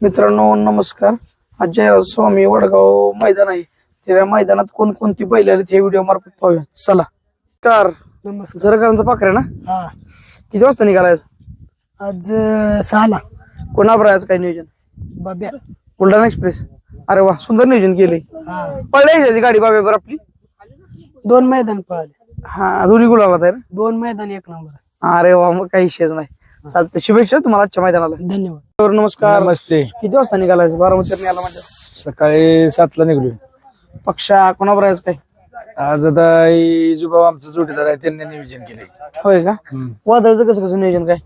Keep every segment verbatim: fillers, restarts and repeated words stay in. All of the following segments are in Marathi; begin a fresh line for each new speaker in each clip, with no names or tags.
मित्रांनो नमस्कार. आज जयराज स्वामी वडगाव मैदान आहे. त्या मैदानात कोणकोणती बैल आली हे व्हिडिओ मार्फत पाहूया. चला. कार
नमस्कार.
झरकरांचा पाखरे ना.
हा
किती वाजता निघालाय?
आज अं, सहाला
कोणावर आहे आज काय नियोजन?
बाब्या.
बुलढाणा एक्सप्रेस. अरे वा, सुंदर नियोजन केलंय.
हा
पळली गाडी बाबेवर आपली.
दोन मैदान पळाले.
हा दोन्ही गुलाबात आहे ना.
दोन मैदान एक नंबर.
अरे वा, मग काही विषयच नाही. चालतंय, शुभेच्छा तुम्हाला आजच्या मैदानाला.
धन्यवाद.
नमस्कार.
नमस्ते.
किती वाजता निघालाय? बारामती आला म्हणजे
सकाळी सातला निघलोय.
पक्षा कोणावर आहे आज काय?
आज आता जुबा आमचा जोडीदार आहे, त्यांनी नियोजन केले.
होय का? वादळचं कसं कसं नियोजन काय?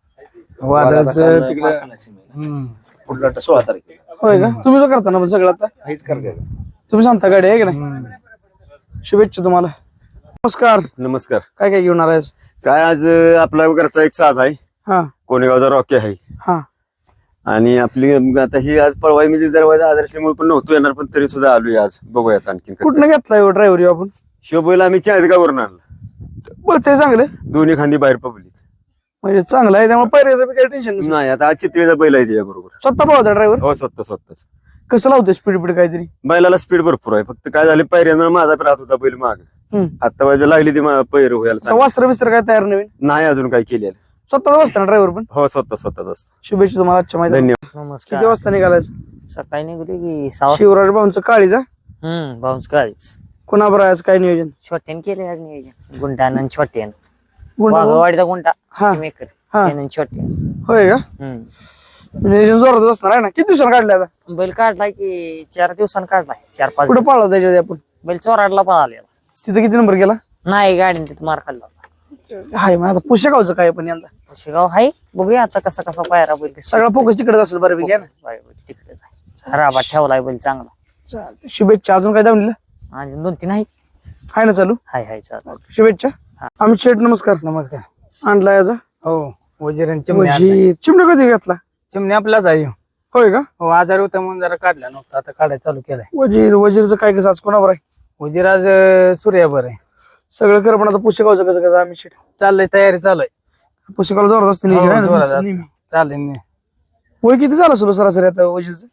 वादळाचं तिकडे हम्म
सोळा तारखेला
होय का? तुम्ही जो करता ना पण सगळं आता
हेच करते.
तुम्ही सांगता गाडी आहे की नाही. शुभेच्छा तुम्हाला. नमस्कार.
नमस्कार.
काय काय घेऊन आलाय?
काय आज अं, आपला घरचा एक साज आहे,
हा
कोणेगावचा रॉकी आहे.
हा
आणि आपली अं, आता ही आज पळवाई म्हणजे जर आदर्शमुळे पण नव्हतो येणार, पण तरी सुद्धा आलोय आज. बघूयात आणखी
कुठनं घेतलाय ड्रायव्हर आपण?
शोभेला आम्ही चाळीसगाववरून आणला.
बोलते चांगलं
दोन्ही खांदी बाहेर पब्लिक
म्हणजे चांगलं आहे, त्यामुळे पैऱ्याचं बी काही टेन्शन नसतं.
नाही. आता आज चित्रीचा बैल आहे त्याच्या बरोबर.
स्वतः पळवता ड्रायव्हर?
हो, स्वतः स्वतःच.
कसं लावतोय स्पीड बीड काहीतरी?
बैलाला स्पीड भरपूर आहे. फक्त काय झालं, पैऱ्यानं माझा पण राहत होता बैल माग.
हम्म.
आता वाजता लागली ती पैर व्हायला
आता
चांगली.
वस्त्र बिस्त्र काय तयार नवीन?
नाही अजून काय केलेलं.
स्वतःच बसता ना ड्रायव्हर पण?
हो, स्वतः स्वतःच असतं.
शुभेच्छा तुम्हाला आजच्या मैदानात.
धन्यवाद.
किती
नमस्कार.
वाजता निघालाय?
सकाळी निघली की सहा वाजता.
शिवराज भाऊंचं काळीजा
हम्म बाउन्स काळीच
कोणाबर आहे आज काय नियोजन?
छोट्यान केले आज नियोजन. गुंटान आणि छोट्यान.
गुंड-
वाघवाडीचा गुंटा
हा.
मेकर
हा.
त्यानं छोट्यान.
होय का?
हम्म
नियोजन जोरात असणार आहे ना. किती दिवसांना काढले आता?
बैल काढलाय की चार दिवसांनी काढलाय. चार पाच
कुठे
दिवस.
पाळला त्याच्या आधी आपण?
बैल चोराडला पळालेला.
तिथं किती नंबर गेला?
नाही गाडीने तिथं मार खाल्ला.
हाय मग आता पुशेगावचं काय पण यंदा
शेगाव हाय, बघूया आता कसा कसा पायरा बैल.
सगळा फोकस तिकडेच असेल बऱ्यापैकी आहे ना.
तिकडेच आहे. राबा ठेवलाय बैल चांगला.
चालतंय. शुभेच्छा. अजून काय दावणीला
अजून दोन तीन आहेत.
हाय ना चालू?
हाय हाय चालू.
शुभेच्छा. आम्ही शेठ नमस्कार.
नमस्कार.
आणला याचा
हो, वजीर चिमण्या
वजीर. चिमण्या कधी घेतला?
चिमण्या आपलाच आहे.
होय का?
हो, आजारी होता म्हणून जरा काढला नव्हता, आता काढायला चालू केलाय.
वजीर वजीरचं काय कसं आज कोणावर आहे?
वजीर आज अं, सूर्यावर आहे.
सगळं कर पण आता पुस्तकावचं कसं कसं आम्ही शेठ
चाललंय, तयारी चालू आहे.
पुस्तकाला जोरात असते
हो,
नियोजन आहे ना
जोरात
तुमचं
असतं.
नेहमी.
चालेल.
वय किती झालं सुरू सरासरी आता वजीरचं?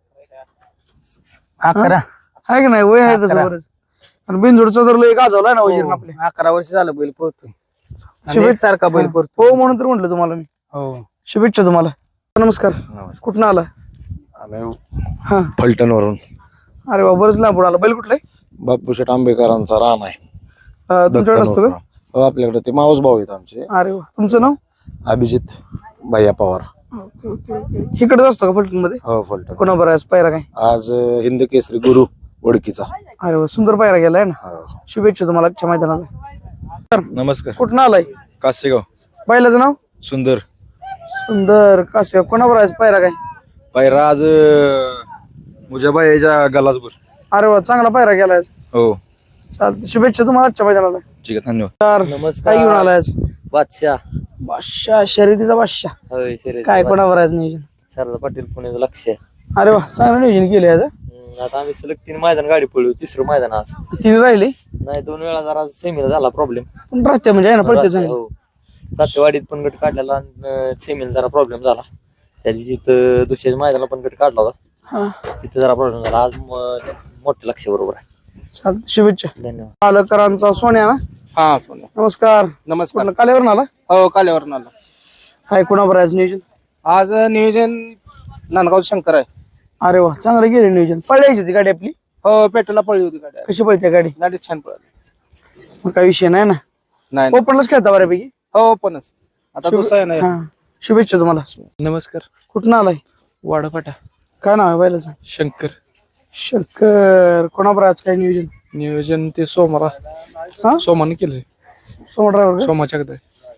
अकरा
आहे की नाही? वय आहे तसं
अकरा.
बरंच. आणि बिनजोडचा तर लय गाजवलाय ना वजीर आपले.
हो, अकरा वर्ष झालं बैल पोहतोय.
शुभेच्छा.
सारखा बैल
हा.
पोहतो.
हो म्हणून तर म्हटलं तुम्हाला मी.
हो.
शुभेच्छा तुम्हाला. नमस्कार. कुठनं आला? हा
फलटणवरून
अरे वा, बरंच लांबून आला. बैल कुठलंय?
बापूशेठ आंबेकरांचा रान आहे.
अं, तुमच्याकडे असतो का?
दत्तनवरून. हो, आपल्याकडे ते मावस भाऊ आहेत आमचे.
अरे वा, तुमचं नाव?
अभिजित भैया पवार.
इकडेच असतो का फलटण मध्ये?
हो, फलटण.
कोणाबर आहे आज पायरा काय?
आज अं, हिंद केसरी गुरु ओळखीचा.
अरे वा, सुंदर पायरा गेलाय ना.
हो.
शुभेच्छा तुम्हाला आजच्या मैदानाला.
नमस्कार.
कुठनं आलाय?
कासेगाव.
बैलाचं नाव?
सुंदर.
सुंदर. कासे कोणाबर आहे आज पायरा काय?
पायरा आज मुजाबाईच्या गलासभर.
अरे वा, चांगला पायरा गेलाय आज.
हो,
चालतं. शुभेच्छा तुम्हाला आजच्या मैदानाला.
ठीक आहे, धन्यवाद.
तर काय घेऊन आलाय आज?
बादशाह.
बादशाह, शर्यतीचा बादशाह.
होय शर्यत.
काय कोणावर आहे आज नियोजन?
सरला पाटील पुण्याचं लक्ष आहे.
अरे वा, चांगलं नियोजन केलंय आज.
हम्म, आता आम्ही सलग तीन मैदान गाडी पळू. तिसरं मैदान आज.
तिने राहिले
नाही, दोन वेळा जरा सेमीला झाला प्रॉब्लेम.
पण राहते म्हणजे आहे ना पडते चांगलं.
हो, सातेवाडीत पण गट काढलेला. सेमीला जरा प्रॉब्लेम झाला. त्या दिवशी इथं दुसऱ्या मैदानाला पण गट काढला होता.
हा
तिथं जरा प्रॉब्लेम झाला. आज म- मोठं लक्ष बरोबर आहे.
चालतं. शुभेच्छा.
धन्यवाद.
पालकरांचा सोन्या ना.
हा, सोन्या.
नमस्कार.
नमस्कार.
कुठलं कालेवरून आला?
हो, काल्यावरून आला.
काय कोणावर आहे आज नियोजन?
आज नियोजन नांदगाव शंकर आहे.
अरे वा, चांगलं गेले नियोजन. पळायची ती गाडी आपली?
हो, पेट्रोलला पळली होती गाडी.
कशी पळते गाडी?
गाडी छान पळाली.
मग काही विषय नाही ना.
नाही
ओपनलाच खेळता बऱ्यापैकी.
हो, पणच आता दुसरा आहे ना.
हा. शुभेच्छा तुम्हाला.
नमस्कार.
कुठनं आलाय?
वाडापाटा.
काय नाव आहे बैलाचं?
शंकर.
शंकर. कोणावर आज काय नियोजन?
नियोजन ते सोमारा
हा?
सोमाने केलंय.
सोमा ड्रायव्हर का?
सोमाच्या कडे.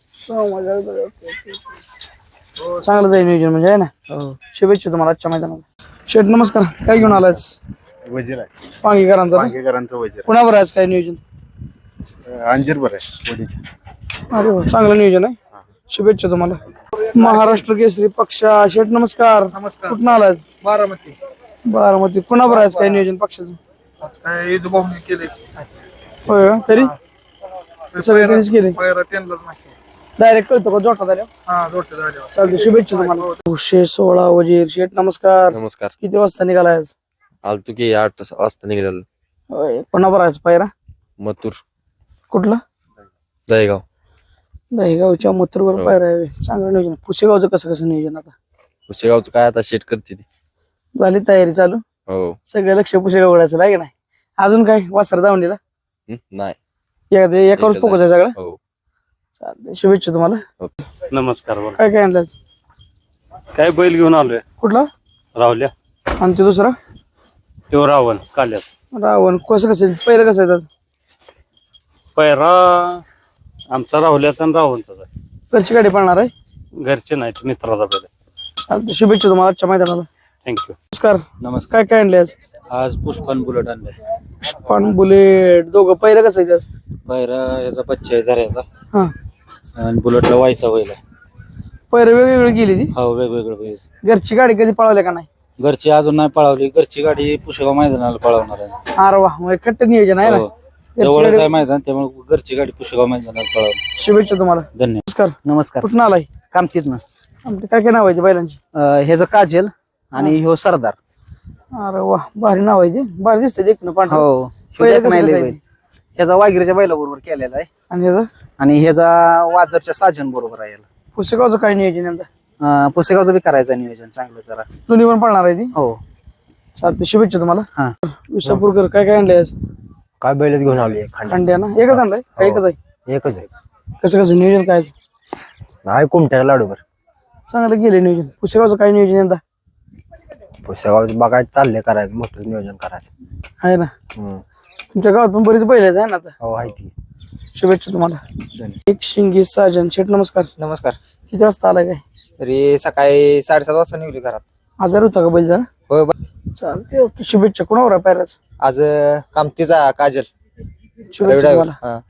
चांगलं जाईल नियोजन म्हणजे आहे ना.
हो.
शुभेच्छा तुम्हाला आजच्या मैदानाला. शेठ नमस्कार. काय घेऊन आलाय?
वजीर आहे.
पांगीकरांचा ना?
पांगेकरांचं वजीर.
कोणावर आज काय नियोजन?
अंजीरभर आहे वडीच्या.
अरे वा, चांगलं नियोजन आहे. शुभेच्छा तुम्हाला. महाराष्ट्र केसरी पक्षा. शेठ नमस्कार.
नमस्कार.
कुठं आलाय?
बारामती.
बारामती. कोणावर आज काय नियोजन पक्षाचं?
आज काय केले.
होय का? तरी सगळे त्यांनीच केले.
त्यांनाच माहिती.
डायरेक्ट कळतो का जोटा झाल्या
हा जोडते झाले
चालते शुभेच्छा तुम्हाला नऊशे सोळा वजीर शेठ नमस्कार.
नमस्कार.
किती वाजता निघालाय आज?
आलतो की आठ वाजता निघालेलो.
होय, पुन्हा भरायचं पायरा
मथुर
कुठला?
दहेगाव.
दहीगावच्या मथुरवर
हो.
पायरा आहे. चांगलं नियोजन. पुसेगावचं कसं कसं नियोजन आता
पुसेगावचं काय आता शेट करते ती.
झाली तयारी चालू?
हो.
सगळं लक्ष पुसेगाव उडायचं आहे की नाही? अजून काय वास्त्र दावणीला
हं? नाही.
एखाद्या एकावर
एकच
फोकस आहे सगळं.
हो.
चालतंय शुभेच्छा तुम्हाला.
नमस्कार बोला.
काय काय आणलं?
काय बैल घेऊन आलोय
कुठला?
रावल्या
आणि ते दुसरा
तो रावण काल्यात.
रावण कसं कसं आहे? पहिलं कसं आहे त्याचं?
पैरा आमचा राहुल्याचा आणि रावणचा आहे.
घरची गाडी पाळणार आहे.
घरचे नाहीत मित्राचा बैल.
चालतंय शुभेच्छा तुम्हाला आजच्या मैदानाला.
थँक्यू.
नमस्कार.
नमस्कार.
काय काय आणले आज?
आज पुष्पान बुलेट आणलाय.
पण बुलेट दोघं पहिलं कसं आहे त्याचं?
पायरा याचा बच्चा आहे झऱ्याचा
हा
आणि बुलेटला व्हायचा बैल आहे.
पहिलं वेगवेगळी गेली ती.
हो वेगवेगळं बैल.
घरची गाडी कधी पळवल्या का नाही?
घरची अजून नाही पळवली. घरची गाडी पुष्पगाव मैदानाला पळवणार आहे.
अरे वा मग खट्ट नियोजन आहे ना.
हो.
घरची
जवळच
गाडी-
आहे मैदान त्यामुळे घरची गाडी पुष्पगाव मैदानाला पळवणार.
शुभेच्छा तुम्हाला.
धन्यवाद.
नमस्कार.
नमस्कार.
कुठून आलाय?
कामतीत ना
आमचे काय काय नाव आहे ते बैलांची?
ह्याचं काजल आणि ह्यो सरदार.
अरे वा भारी नाव आहे ते. भारी दिसतंय देखणं पांढरं.
हो
पहिलं
ह्यो
कसं
नाही लय
कसं आहे
बैल. ह्याचा वागिरीच्या बैलाबरोबर केलेला आहे
आणि ह्याचं
आणि ह्याचा वाजरच्या साजन बरोबर आहे याला.
पुस्तकाचं काय नियोजन यंदा?
अं, पुसेगावचं बी करायचं नियोजन चांगलं जरा.
दोन्ही पण पळणार आहे ती.
हो.
चालते शुभेच्छा तुम्हाला.
हा.
विसापूरकर काय काय आणलंय आज?
काय बैलच घेऊन आलोय.
खंड्या ना एकच आणलाय का एकच आहे?
एकच आहे.
कसं कसं नियोजन काय?
नाही कुमट्याला लाडूवर
चांगलं गेलं नियोजन. पुस्तकाचं काय नियोजन यंदा
पुस्तकाचं बघायचं चाललंय करायचं मोठं नियोजन करायचं.
आहे ना?
हम्म.
तुमच्या गावात पण बरीच बैल आहेत आहे ना आता?
हो आहे ती.
शुभेच्छा तुम्हाला. एक शिंगी साजन शेठ नमस्कार.
नमस्कार.
किती वाजता आलाय काय?
तरी सकाळी साडेसात वाजता निघली घरात.
आजार होता का बैल जरा?
होय.
चालते ओके शुभेच्छा. कोणावर आहे पायराच?
आज कामतीचा काजल
शुभेच्छा तुम्हाला.
हा.